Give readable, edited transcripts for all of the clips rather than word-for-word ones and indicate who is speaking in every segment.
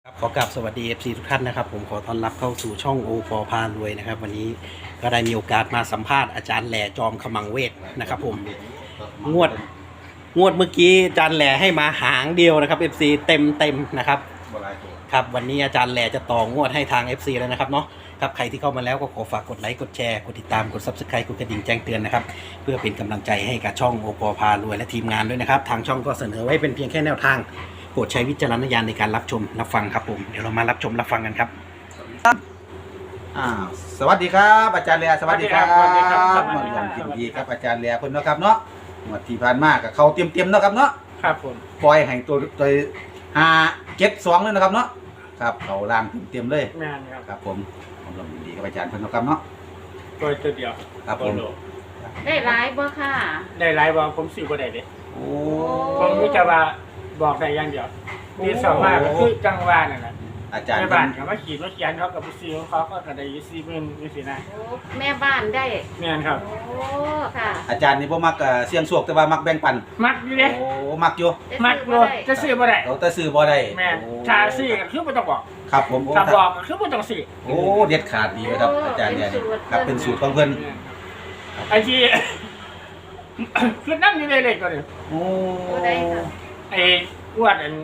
Speaker 1: ขอกราบสวัสดี FC ทุกท่านนะครับผมขอต้อนรับเข้าสู่ช่องโอปอพารวยนะครับวันนี้ก็ได้มีโอกาสมาสัมภาษณ์อาจารย์แหล่จอมขมังเวทนะครับผมงวดเมื่อกี้อาจารย์แหล่ให้มาหางเดียวนะครับ FC เต็มนะครับครับวันนี้อาจารย์แหล่จะต่องวดให้ทาง FC แล้วนะครับเนาะครับใครที่เข้ามาแล้วก็ขอฝากกดไลค์กดแชร์กดติดตามกด Subscribe กดกระดิ่งแจ้งเตือนนะครับเพื่อเป็นกำลังใจให้กับช่องโอปอพารวยและทีมงานด้วยนะครับทางช่องก็เสนอไว้เป็นเพียงแค่แนวทางโปรดใช้วิจารณญาณในการรับชมรับฟังครับผมเดี๋ยวเรามารับชมรับฟังกันครับ
Speaker 2: สวัสดีครับอาจารย์เลียสวัสดีครับ
Speaker 3: สวัสดีครับ
Speaker 2: มาร่วมยินดีครับอาจารย์เลียเพิ่นเนาะครับเนาะงวดที่ผ่านมากับเขาเตรียมๆเนาะครับเนาะ
Speaker 3: ครับผม
Speaker 2: ปล่อยให้ตัว5-7-2เลยนะครับเนาะครับเขาล่างเตรียมๆเลย
Speaker 3: แม่นครับ
Speaker 2: ครับผมร่วมยินดีกับอาจารย์เพิ่นเนาะครับเนาะ
Speaker 3: ตัวเดียว
Speaker 2: ครับผม
Speaker 3: โล
Speaker 4: ได้ร้ายบ่ค่ะ
Speaker 3: ได้หลายบอผมซื้อบ่ได้เด้
Speaker 2: โอ้
Speaker 3: ผมรู้จะว่าบอกได้อย่างเดียวมีสองว่าก็คือจังหวะนั่นแหละ
Speaker 2: อาจารย์
Speaker 3: แม่
Speaker 2: เพิ่
Speaker 3: บ้าน
Speaker 2: น
Speaker 3: ก็มาขีดมาเขียนเขากับไปซื้อของเขาก็ได้อยู่40,000นี่สินะ
Speaker 4: โอ้แม่บ้านได้
Speaker 3: แม่นครับ
Speaker 4: โอ้ค่ะ
Speaker 2: อาจารย์นี่บ่มักเสี่ยงโชคแต่ว่ามักแบ่งปัน
Speaker 3: มักอยู่เด้
Speaker 2: โอ้มักอยู่
Speaker 3: มักอยู่จะซื้อบ่ได้
Speaker 2: เราแต่ซื้อบ่ได้
Speaker 3: แม่น
Speaker 2: โอ้
Speaker 3: ถ้าซื้อก็คือบ่ต้องบอก
Speaker 2: ครับผมโอ้
Speaker 3: ถ้าบอกก็คือบ่ต้องซื้อ
Speaker 2: โอ้เด็ดขาดดีเลยครับอาจารย์เนี่ยนี่ครับเป็นสูตรของเพิ่น
Speaker 3: ไอ้ที่ คือนั่งอยู่ในเลขตัวนี้
Speaker 2: โอ้
Speaker 4: โอ้ได้ค่ะ
Speaker 3: ไอ้อ้วนอัน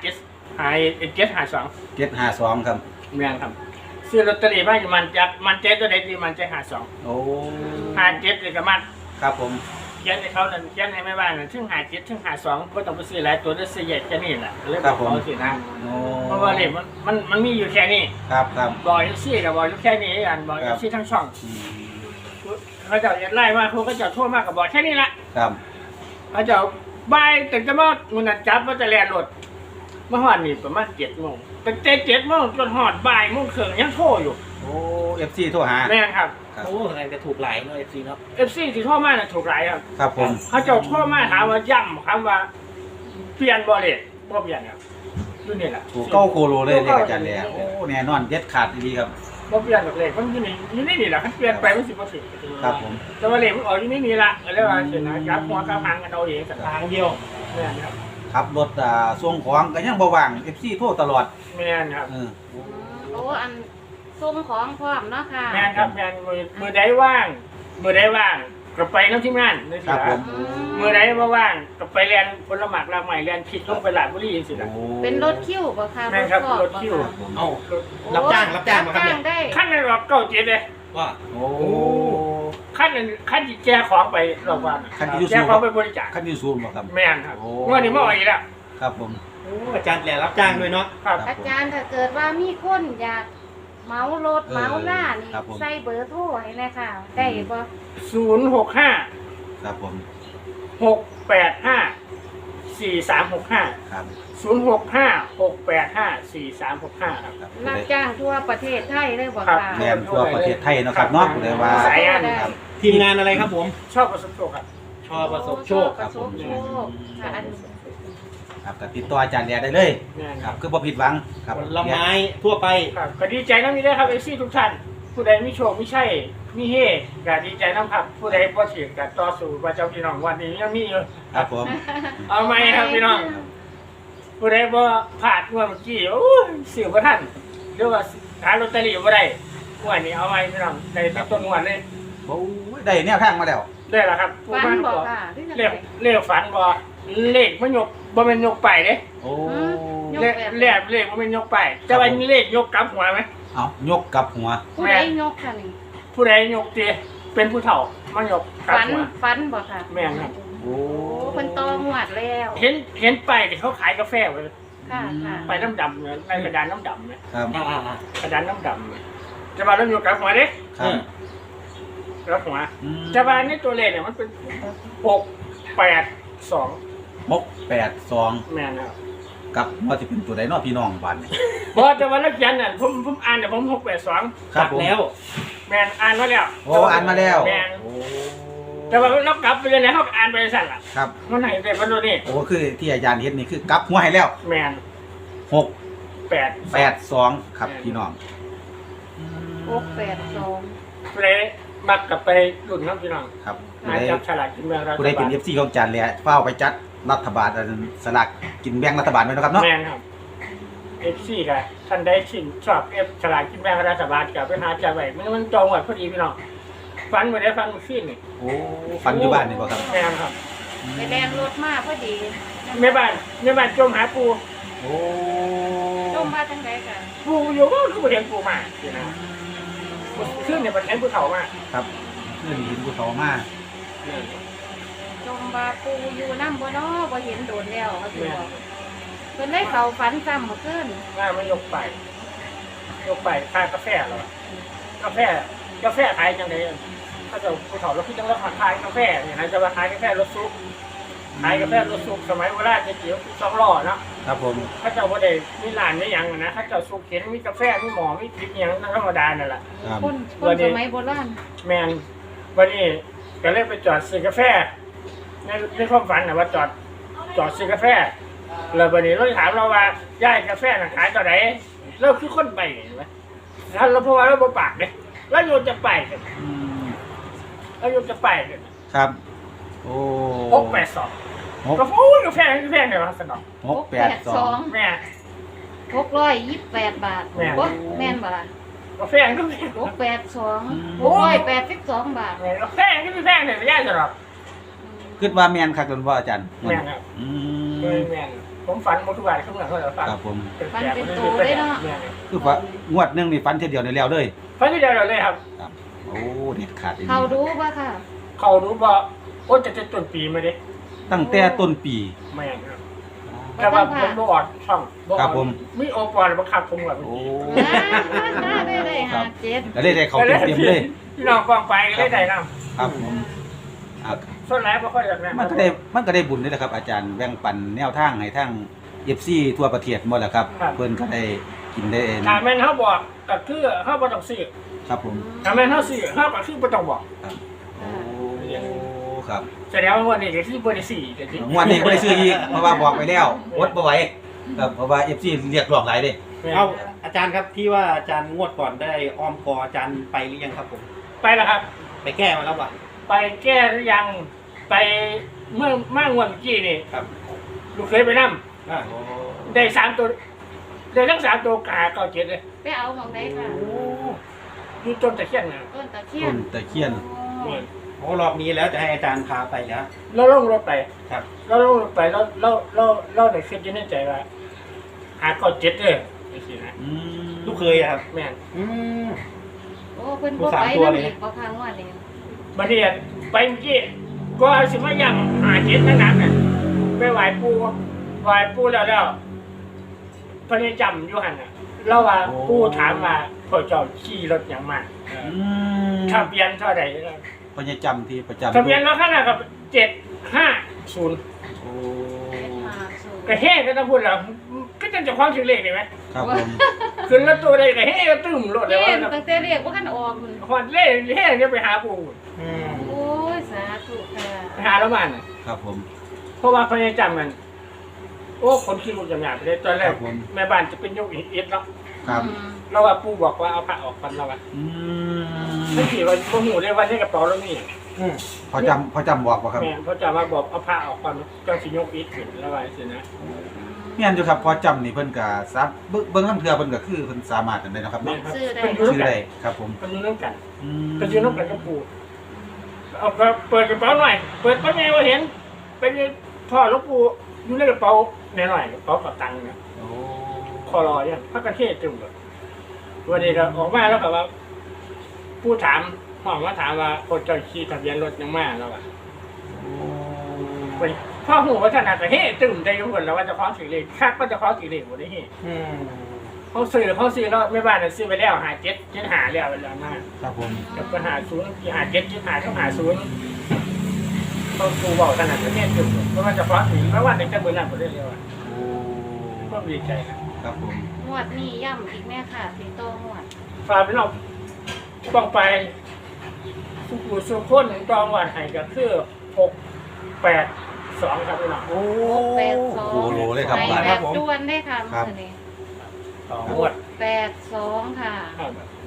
Speaker 3: 752
Speaker 2: 752ครับ
Speaker 3: แม่นครับซื้อลอตเตอรี่มาอยู่มันใจตัวใดดีมันใจ52
Speaker 2: โอ้
Speaker 3: 57เลยก็มัน
Speaker 2: ครับผม
Speaker 3: เขียนให้เขานั่นเขียนให้แม่บ้านนั่นถึง57ถึง52บ่ต้องไปซื้อหลายตัวได้ซื้อใหญ่แค่นี้แหละเลยบอกเขาสินะ
Speaker 2: โอ้
Speaker 3: เพราะว่าเลขมันมีอยู่แค่นี้
Speaker 2: ครับครับ
Speaker 3: บอกอยู่ซี่ก็บอกอยู่แค่นี้อันบอกอยู่ซี่ทั้งช่อง
Speaker 2: อืม
Speaker 3: เขาเจะไล่มาเขาก็จะโทษมากก็บอกแค่นี้ละ
Speaker 2: ครับ
Speaker 3: เขาเจะบ่ายตึงจะมามันนะจับว่าจะแล่นรถเมื่อวานนี่ประมาณ7 โมงแต่7 โมงจนหอดบ่ายโมงครึ่งยังโทรอยู่
Speaker 2: โอ้ FC โทรหา
Speaker 3: แม่นครับ
Speaker 2: ครับ
Speaker 1: โอ้อะไรจะถูกหลายเนาะ FC เนาะ
Speaker 3: FC ที่โทรมาน่ะถูกหลายครับ
Speaker 2: ครับผม
Speaker 3: เขาเจะโทรมาถามว่าย่ำคำว่าเปลี่ยนบ่เลยบ่เปลี่ยนครับดูนี่แหละ
Speaker 2: ถูกเก้าโคโลเลยอาจารย์เลยโอ้แน่นอนเด็ดขาดดีครับ
Speaker 3: บ่เปลี่ยนหรอกเลยมันอยู่นี่แหละคันเปลี่ยนไปมันสิบ่ถึง
Speaker 2: ครับผม
Speaker 3: แต่ว่าเลขมันออกอยู่นี่ละก็เลยว่าเห็นนะยับหัวกับหางกันเอาเองสักทางเดียวแม่นครับ
Speaker 2: ขับรถส่งของก็ยังบ่ว่าง FC โทรตลอด
Speaker 3: แม่นครับ
Speaker 2: เออ
Speaker 4: โอ้อันส่งของพร้อมเนาะค่ะ
Speaker 3: แม่นครับแม่นมือใดว่างก็ไปน้ำที่งานนี่สิ
Speaker 2: ครับ
Speaker 3: ล่ะ
Speaker 2: ผม
Speaker 3: มือใดบ่ว่างก็ไปเรียนผลหมากรากใหม่เรียนผิดลงไปหลาดบุรีจังซี่ล่ะ
Speaker 2: โอ้
Speaker 4: เป็นรถคิวบ่ค่ะ
Speaker 3: แม่นครับ
Speaker 4: ฟอ
Speaker 3: รถคิว
Speaker 4: บ่ะ
Speaker 1: เอ้า
Speaker 4: โอ้
Speaker 1: รับจ้างมาครับเนี่ย
Speaker 4: ได้
Speaker 3: ขั้นในรอบเก้าเจ็ดเลย
Speaker 1: ว่า
Speaker 2: โอ้
Speaker 3: ขั้นที่แจกของไปรอบวัน
Speaker 2: ขั้นที่
Speaker 3: แจกของไปบริจาค
Speaker 2: คันยูซูมบ่ครับ
Speaker 3: แม่นครับ
Speaker 2: โอ้
Speaker 3: เมื่อนี้มาอ่อยแล้ว
Speaker 2: ครับผม
Speaker 1: โอ้อาจารย์แหล่รับจ้างด้วยเนาะ
Speaker 3: ครับ
Speaker 4: อาจารย์ถ้าเกิดว่ามีคนอยากเหมารถเหมาหน้านี่
Speaker 2: ครับผม
Speaker 4: ใส่เบอร์โทรให้เลยค่ะ ได้บ่
Speaker 3: 065
Speaker 2: ครับผม
Speaker 3: 685 4365
Speaker 2: ครับ
Speaker 3: 065 685 4365 ครับ
Speaker 2: ครับ
Speaker 4: รับจ้างทั่วประเทศไทยเลยบ่
Speaker 3: ครับ
Speaker 4: ค่ะ
Speaker 2: แม่นทั่วประเทศไทยเนาะครับเนาะเลยว่า
Speaker 3: สายงาน
Speaker 2: ครับ
Speaker 1: ทีมงานอะไรครับผม
Speaker 3: ชอบประสบโชคครับ
Speaker 1: ชอประสบโชค
Speaker 4: ประสบโชคค่ะอัน
Speaker 2: ครับก็ติดต่ออาจารย์แดได้เลย
Speaker 3: แม่น
Speaker 2: ค
Speaker 3: ค
Speaker 2: รั
Speaker 3: รั
Speaker 2: บบ คือบ่ผิดหวังครับ
Speaker 1: ผลไม้ทั่วไป
Speaker 3: ครับก็ดีใจน้ำมีได้ครับเอซี่ทุกท่าน ผู้ใดมีโชคมีใช่มีเฮก็ดีใจน้ำครับ ผู้ใดบ่เสียงก็ต่อสู้ว่าเจ้าพี่น้องวันนี้ยังมีอยู่
Speaker 2: ครับผม
Speaker 3: เอาไหมครับพี่น้อง ผู้ใดบ่พลาดงวดเมื่อกี้โอ้ยซื้อบ่ทันหรือว่าหาลอตเตอรี่บ่ได้งวดนี้เอาไหมพี่น้องได้ตั้งต้นงวดเลย
Speaker 2: โอ้ยได้แนวทางมาแล้ว
Speaker 3: ได้แล้วครับ
Speaker 4: ฝัน
Speaker 3: ผู้
Speaker 4: บ่
Speaker 3: บ้า
Speaker 4: ค่ะหรือจัง
Speaker 3: เล
Speaker 4: ได
Speaker 3: ขเลขฝันบ่เลขมันยกบ่แม่นยกไปเด้
Speaker 2: โอ้
Speaker 4: ยก
Speaker 3: เลขเลขบ่แม่นยกไปแต่ว่าเลขยกกลับหัวไหม
Speaker 2: เอายกกลับหัว
Speaker 4: ผู้ใดยกค่ะนี่
Speaker 3: ผู้ใดยกติเป็นผู้เฒ่ามันยกกลับ
Speaker 4: ฝัน
Speaker 3: หัว
Speaker 4: ฝันบ่ค่ะ
Speaker 3: แม่นครับ
Speaker 2: โอ้
Speaker 4: โอ้เพิ่นตอหวดแล้ว
Speaker 3: เห็นไปที่เขาขายกาแฟไว้
Speaker 4: ค่ะค่ะ
Speaker 3: ไปน้ำดำเนี่ยในกระดานน้ำดำเนี่ย
Speaker 2: ครับ
Speaker 3: กระดานน้ำดำเนี่ยจะมาเริ่มยกกลับหัวเด้
Speaker 2: ครับ
Speaker 3: กลับหัว
Speaker 2: อืม
Speaker 3: จะมาในตัวเลขเนี่ยมันเป็น682
Speaker 2: 682
Speaker 3: แม่นครับ
Speaker 2: กับว่าสิเป็นตัวใดเนาะพี่น้องบ้านนี่
Speaker 3: บ่แต่ว่านักเขียนน่ะผมอ่านเนี่ยผม682
Speaker 2: ครับผม
Speaker 1: แล้ว
Speaker 3: แม่นอ่านมาแล้ว
Speaker 2: โอ้อ่านมาแล้ว
Speaker 3: แม่น
Speaker 2: โอ้
Speaker 3: แต่ว่าเรากลับไปเลยนะเขาอ่านไปสั่นล่ะ
Speaker 2: ครับ
Speaker 3: มันไหนแต่มันตัวนี้
Speaker 2: โอ้คือที่อาจารย์เฮ็ดนี่คือกลับหัวให้แล้ว
Speaker 3: แม่น
Speaker 2: 682ครับพี่น้อง
Speaker 4: 682
Speaker 3: เลยมักกลับไปรุ่นน้องพี่น้อง
Speaker 2: ครับ
Speaker 3: หาจับฉลากกินแบ่งรัฐ
Speaker 2: ผู้ใดเป็น
Speaker 3: บาล
Speaker 2: FC ของอาจารย์แหละเฝ้าไปจัดรัฐบาลสลากกินแบ่งรัฐบาลไว้เนาะครับเนาะ
Speaker 3: แม่นครับ FC กับท่านได้ชินชอบฉลากกินแบ่งรัฐบาลกับไปหาจ่ายไว้มันจองไว้พอดีพี่น้องฟันบ่ได้ฟันขึ้นนี่
Speaker 2: โอ้ฟันอยู่บ้านนี่บ่ครับ
Speaker 3: แม่นครับ
Speaker 4: ไปแรงรถมาพอดี
Speaker 3: แม่บ้านจมหาปู
Speaker 2: โอ้
Speaker 4: จมมาจังไดกัน
Speaker 3: ปูอยู่ก็คือบ่เห็นปูมาสินะขึ้นเนี่ยมันเห็นภูเขามา
Speaker 2: ครับเพื่อนหินภูเขามา
Speaker 4: จมบาปูอยู่น้ำบ่เนาะบ่เห็นโดนแล้วเขาสิบอกเพิ่นเลยเข้าฝันซ้ำเมื่อคืน
Speaker 3: ว่ามันยกไปค่ากาแฟเหรอกาแฟขายจังไดถ้าจะภูเขาแล้วคือจังแล้วขายกาแฟเนี่ยนะจะมาขายกาแฟรถซุปขายกาแฟรถซุปสมัยโบราณจะเกี่ยว2ล้อเนาะ
Speaker 2: ครับผม
Speaker 3: ถ้าเจ้าบ่ได้มีร้านมีหยังนะถ้าเจ้าสุกเข็นมีกาแฟมีหมอมีพริกหยังธรรมดานั่นแหละ
Speaker 2: ครับ
Speaker 4: คนสมัยโบราณ
Speaker 3: แม่นวันนี้ก็เลยไปจอดซื้อกาแฟในความฝันน่ะว่าจอดซื้อกาแฟแล้ววันนี้เราถามเราว่าย่ายกาแฟน่ะขายเท่าไหร่เราคือคนไปเห็นไหมถ้าเราเพราะว่าเราบ่ปากเด้เราอยู่จะไปกัน
Speaker 2: อืม
Speaker 3: เราอยู่จะไปกัน
Speaker 2: ครับโอ้
Speaker 3: 682
Speaker 2: หก
Speaker 3: ก็โอ้ยกาแฟเนี่ยว่าสนอง
Speaker 2: 682
Speaker 3: แม่
Speaker 4: 628 บาท
Speaker 3: แม่น
Speaker 4: บ่แม่นบ่ล่ะ
Speaker 3: กาแฟก็แพง
Speaker 4: 682 บาท
Speaker 3: กาแฟก็แพงเนี่ยไม่ยากจะหรอก
Speaker 2: คิดว่าแม่นคักจนว่าอาจารย์
Speaker 3: แม่นครับ
Speaker 2: อื
Speaker 3: แม่นผมฝันหมดทุกวันขึ้นมาเขาจะฟัง
Speaker 2: ครับผม
Speaker 4: ฝันเป็นโตเลยเนาะ
Speaker 2: คือว่างวดหนึงนี่ฟันเทียเดียวในแล้วเลย
Speaker 3: ฝันที่เดียวเลยครับ
Speaker 2: ครับโอ้เด็ดขาดอีก
Speaker 4: เขาดูบ่ค่ะ
Speaker 3: เขารู้ว่าโอ้จะต้นปีมาดิ
Speaker 2: ตั้งแต่ต้นปี
Speaker 3: แม่นครับแต่ว่าผมบ่อดช่องบ่อ
Speaker 2: ครั
Speaker 3: อบ ด
Speaker 2: ผม
Speaker 3: มีโอปอลบังคับผมแบบ
Speaker 2: โอ้
Speaker 4: ได้หาเจ็ด
Speaker 2: แล้วได้เขาเต็มๆเลย
Speaker 3: พี่น้องกองไปได้ได้น
Speaker 2: ครับผมอ่ะ
Speaker 3: ำส่วนแรกบ่ค่อยอยากแนะ
Speaker 2: มันก็ได้บุญนี่แหละครับ อาจารย์แบ่งปันแนวทางให้ทั้ง FC ทั่วประเทศหมดแหละครับ เพิ่นก็ได้กินได้เอง
Speaker 3: ถ้าแม่นเขาบอกก็คือเขาบ่ต้องซื้อ
Speaker 2: ครับผม
Speaker 3: ถ้าแม่นเขาซื้อเขาก็คือบ่ต้องบอก
Speaker 2: โอ้ครับ
Speaker 3: แสดงว่าวันนี้ก็คือบ่ได้ซื้อจริง
Speaker 2: งวดนี้บ่ได้ซื้ออีกเพราะว่าบอกไปแล้วอดบ่ไหวครับเพราะว่า FC เรียกร้องหลายเด้
Speaker 1: เอาอาจารย์ครับที่ว่าอาจารย์งวดก่อนได้อ้อมคออาจารย์ไปหรือยังครับผม
Speaker 3: ไปแล้วครับ
Speaker 1: ไปแก้มาแล้ววะ
Speaker 3: ไปแก้หรือยังไปเมื่องวดเมื่อกี้นี่
Speaker 1: ครับ
Speaker 3: ลูกเคยไปนั่
Speaker 1: อ่า
Speaker 3: ได้3ตัวได้ทั้ง3ตัวกาเก้าเจ็ดเลย
Speaker 4: ไปเอาหมองได้ค่ะ
Speaker 3: อยู่ต้นตะเคียนนะ
Speaker 4: ต้นตะเคีย
Speaker 2: ต้
Speaker 4: น
Speaker 2: นตะเคียน
Speaker 1: โอ้รอบนี้แล้วจะให้อาจารย์พาไปแล้ว
Speaker 3: เราลงรถไป
Speaker 1: ครับ
Speaker 3: เราลงรถไปเราได้คิดอยู่ในใจว่าหาเก้าเจ็ดเลยนี่สินะ
Speaker 2: อืม
Speaker 1: ลูกเคยอะครับ
Speaker 3: แม่น
Speaker 1: อืม
Speaker 4: โอ้เพิ่น
Speaker 1: ผู้
Speaker 4: บ่
Speaker 1: สาม
Speaker 4: ไป
Speaker 1: ตัว
Speaker 4: นำ
Speaker 1: เลย
Speaker 4: อีกบ่พังว่านี่
Speaker 3: บัดนี้ไปเมื่อกี้ก็สิมาย่ำหาเจ็ดนั่นน่ะไปไหว้ปู่แล้วพระจำอยู่หั่นน่ะเราว่าปู่ถามว่าพ่อเจ้าขี่รถหยังมา
Speaker 2: อืม
Speaker 3: ทะเบียนเท่าใด
Speaker 2: พญาจำที่ประจำ
Speaker 3: ทะเบียนรถคันนั้นกับ750
Speaker 2: โอ้
Speaker 3: กระเฮ้ก็ต้องพูดแล้วก็จะความถึงเลขได้ไหม
Speaker 2: ครับผม
Speaker 3: ขึ้นรถตัวใดกระเฮ้ก็ตึ้มรถเลย
Speaker 4: เห็
Speaker 3: ว่าน
Speaker 4: ตั้งแต่เรียกว่ากันออกพุ่น
Speaker 3: หอดเล่เฮ้เนี่ยไปหาปู่
Speaker 1: อืม
Speaker 4: โอ้ยสาธุค่ะ
Speaker 3: ไปหาแล้วมัน
Speaker 2: ครับผม
Speaker 3: เพราะว่าพยายจำมันโอ้คนขี้ลูกจำหยาบไปเลยตอนแร
Speaker 2: ค
Speaker 3: ก
Speaker 2: รับผม
Speaker 3: แม่บ้านจะเป็นยกอิฐเนาะ
Speaker 2: ครับ
Speaker 3: เราว่าปู่บอกว่าเอาผ้าออกกันเราว่า
Speaker 2: อืม
Speaker 3: ไม่กี่วันพวกหนูได้วันนี้กระเป๋าแล้วนี่
Speaker 1: อืม
Speaker 2: พอจำบอกว่าครับ
Speaker 3: แม่เขาจะมาบอกเอาผ้าออกกันจังสิยกอิฐขึ้นแล้วว่าสินะ
Speaker 2: เมียนอยู่ครับพอจำนี่เพิ่นก็ซับเบิ่งน้ำเทือเพิ่นก็คือเพิ่นสามารถกันได้เนาะครับ
Speaker 3: แม่
Speaker 2: เนาะ
Speaker 3: ครับเป็นยู
Speaker 2: ชื่
Speaker 3: น
Speaker 2: อ
Speaker 3: กั
Speaker 2: ได้
Speaker 3: น
Speaker 2: ครับผม
Speaker 3: เป็นยูนกัน
Speaker 2: อืม
Speaker 3: เป็นยูนกันกับปู่เอาเปิดกระเป๋าหน่อยเปิดก็ไงว่าเห็นเป็นพ่อหลวงปู่อยู่ในกระเป๋าหน่อยกระเป๋ากับตังค์นะ
Speaker 2: โอ้
Speaker 3: คอรอยังพักกันเทศจุ่มเลยวันนี้ก็ออกมาแล้วก็ว่าผู้ถามห้องว่าถามว่าคนเจ้าขี่ทะเบียนรถยังมาแล้วอ่ะพ่อหูว่าท่านอาจจะเฮ้จุ่มใจทุกคนแล้วว่าจะคล้องสีเหล็กคาดว่าจะคล้องสีเหล็กหมดได้เฮ้
Speaker 1: อืม
Speaker 3: เขาซื้อแล้วไม่บ้านน่ะซื้อไปแล้วหาเจ็ดหาแล้วเวลามา
Speaker 2: ครับผม
Speaker 3: กับปัญหาศูนย์ที่หาเจ็ดหาต้องหาศูนย์ต้องครูบอกขนาดประเทศจุ่มเพราะว่าจะคล้องสีไม่ว่าในกระบวนการหมดได้เลยว่ะ
Speaker 2: โอ้
Speaker 3: ก็ดีใจนะครับ
Speaker 2: ผม
Speaker 4: งวดนี้ย่ำอีกแม่ค่ะสิโตงวด
Speaker 3: ฝากพี่น้องต้องไปสุขุสุขคนจองวันให้ก็คือ682ครับพี่น้อง
Speaker 1: โอ้
Speaker 4: 682
Speaker 2: โหโลเลยครับ
Speaker 4: ไป
Speaker 2: บาท
Speaker 4: แบบด่วนได้ค่ะ
Speaker 2: ครับ
Speaker 4: มื้อนี้
Speaker 3: ต่องวด
Speaker 4: 82ค่ะ
Speaker 3: ครับ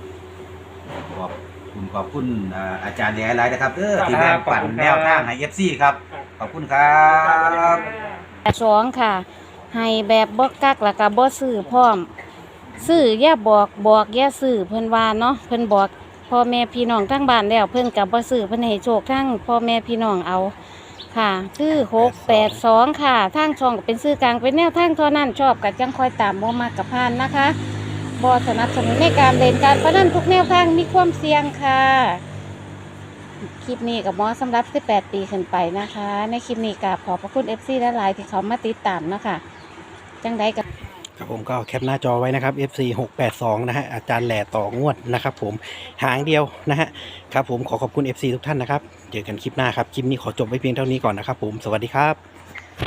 Speaker 2: ขอบคุณอาจารย์หลายๆนะครับที่แบ่งปันแนวทางให้ FC ครับ ขอบคุณครับ
Speaker 4: 82ค่ะให้แบบบ่กักแล้วก็บ่ซื้อพร้อมซื้ออย่าบอกอย่าซื้อเพิ่นว่าเนาะเพิ่นบอกพ่อแม่พี่น้องทั้งบ้านแล้วเพิ่นก็บ่ซื้อเพิ่นให้โชคทั้งพ่อแม่พี่น้องเอาค่ะคือ682ค่ะทางช่องก็เป็นซื้อกลางเป็นแนวทางเท่านั้นชอบก็จังค่อยตามบ่มักก็ผ่านนะคะบ่สนับสนุนในการเล่นการพนันทุกแนวทางมีความเสี่ยงค่ะคลิปนี้กับหมอสำหรับ18ปีขึ้นไปนะคะในคลิปนี้ก็ขอบพระคุณ FC หลายๆที่เขามาติดตามเนาะค่ะจังใดก็
Speaker 1: ครับผมก็แคปหน้าจอไว้นะครับ FC 682นะฮะอาจารย์แหล่ต่องวดนะครับผมหางเดียวนะฮะครับผมขอขอบคุณ FC ทุกท่านนะครับเจอกันคลิปหน้าครับคลิปนี้ขอจบไว้เพียงเท่านี้ก่อนนะครับผมสวัสดีครับ